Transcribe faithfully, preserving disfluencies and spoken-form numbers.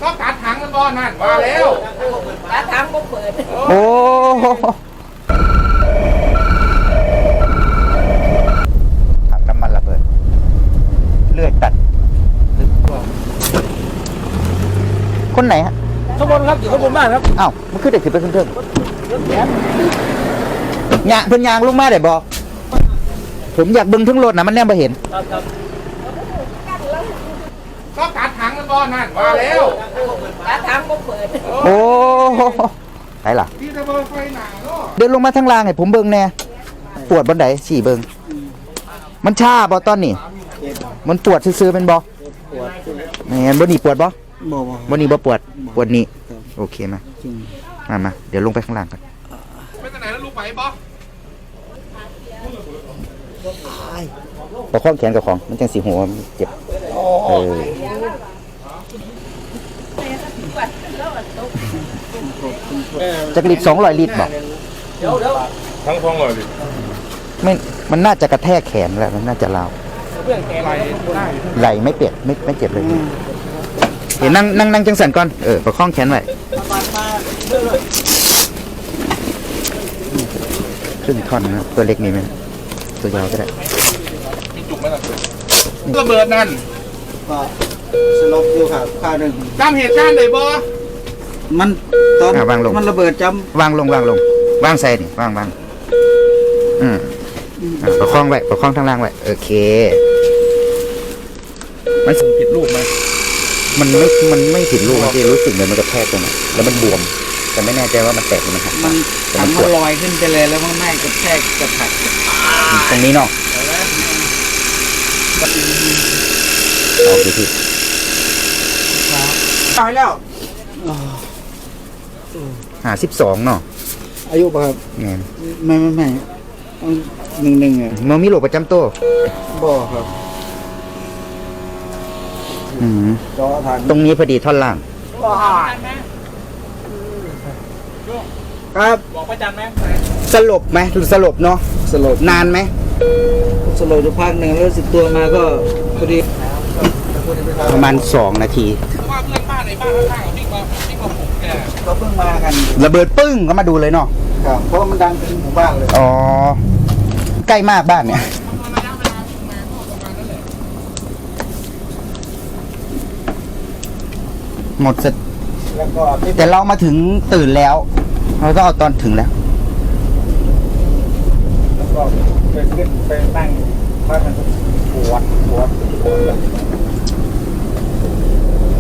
ก็ตัดถังมันบ่นั่นมาแล้วตัดถังก็เปิดโอ้ถังน้ำมันระเบิดเลื่อยตัดคนไหนฮะข้างบนครับอยู่ข้างบนบ้านครับอ้าวมันคือเด็กถือไปขึ้นเทิงยางเพิ่นยางลงมาได้บ่ผมอยากเบิ่งทั้งรถนะมันแนมบ่เห็นก็ตัดถังมันบ่นั่นมาแล้วตัดถังก็เปิดโอ้ไหนล่ะเดินลงมาทางล่างให้ผมเบิ่งแน่ปวดบนไหนสี่เบิ่งมันชาบ่ตอนนี้มันปวดซื่อๆเป็นบ่แม่นบ่นี่ปวดบ่บ่บ่นี่บ่ปวดปวดนี่โอเคมามามาเดี๋ยวลงไปข้างล่างกันไปทางไหนแล้วลูกไปบ่ประคองแขนกับของมันจังสิหัวเจ็บเออจักรลิตรสองร้อยลิตรบ่ทั้งสองร้อยลิตรไม่มันน่าจะกระแทกแขนแล้วมันน่าจะลาวไหลไม่เปียกไม่ไม่เจ็บเลยเห็นนั่งนั่งนั่งจังสันก่อนเออประคองแขนไว้ครึ่งท่อนนะตัวเล็กมีไหมตัวยาวก็ได้จุกไหมล่ะระเบิดนั่นก็สลบอยู่ครับข้าวหนึ่งจำเหตุการณ์ได้บ่มันตอนมันระเบิดจำวางลงวางลงวางใส่นี่วางวางอืมประคองไว้ประคองทางล่างไว้โอเคมันผิดรูปไหมมันไม่มันไม่ผิดรูปมันจะรู้สึกเลยมันกระแทกตรงนั้นแล้วมันบวมแต่ไม่แน่ใจว่ามันแตกหรือมันหักมันทำมันลอยขึ้นไปเลยแล้วมันไม่กระแทกกระถักตรงนี้เนาะเอาดูที่ตายแล้วหาสิบสองเนาะอายุป่ะครับไงไม่ไม่ไม่หนึ่งหนึ่งอ่ะมันมีโรคประจำตัวบ่ครับอืมตรงนี้พอดีท่อนล่างครับบอกประจันไหมสลบไหมหรือสลบเนาะสลบนานไหมสลบจะพักหนึ่งแล้วสิบตัวมาก็พอดีประมาณสองนาทีว่าเพื่อนบ้านในบ้านข้างๆวิ่งมาวิ่งมาผมแกก็เพิ่งมากันระเบิดปึ้งก็มาดูเลยเนาะครับเพราะมันดังเป็นหมู่บ้านเลยอ๋อใกล้มากบ้านเนี่ยหมดเสร็จแต่เรามาถึงตื่นแล้วเราต้องเอาตอนถึงแล้วแล้วก็ไปขึ้นไปนั่งบ้านมันปวดปวดปวด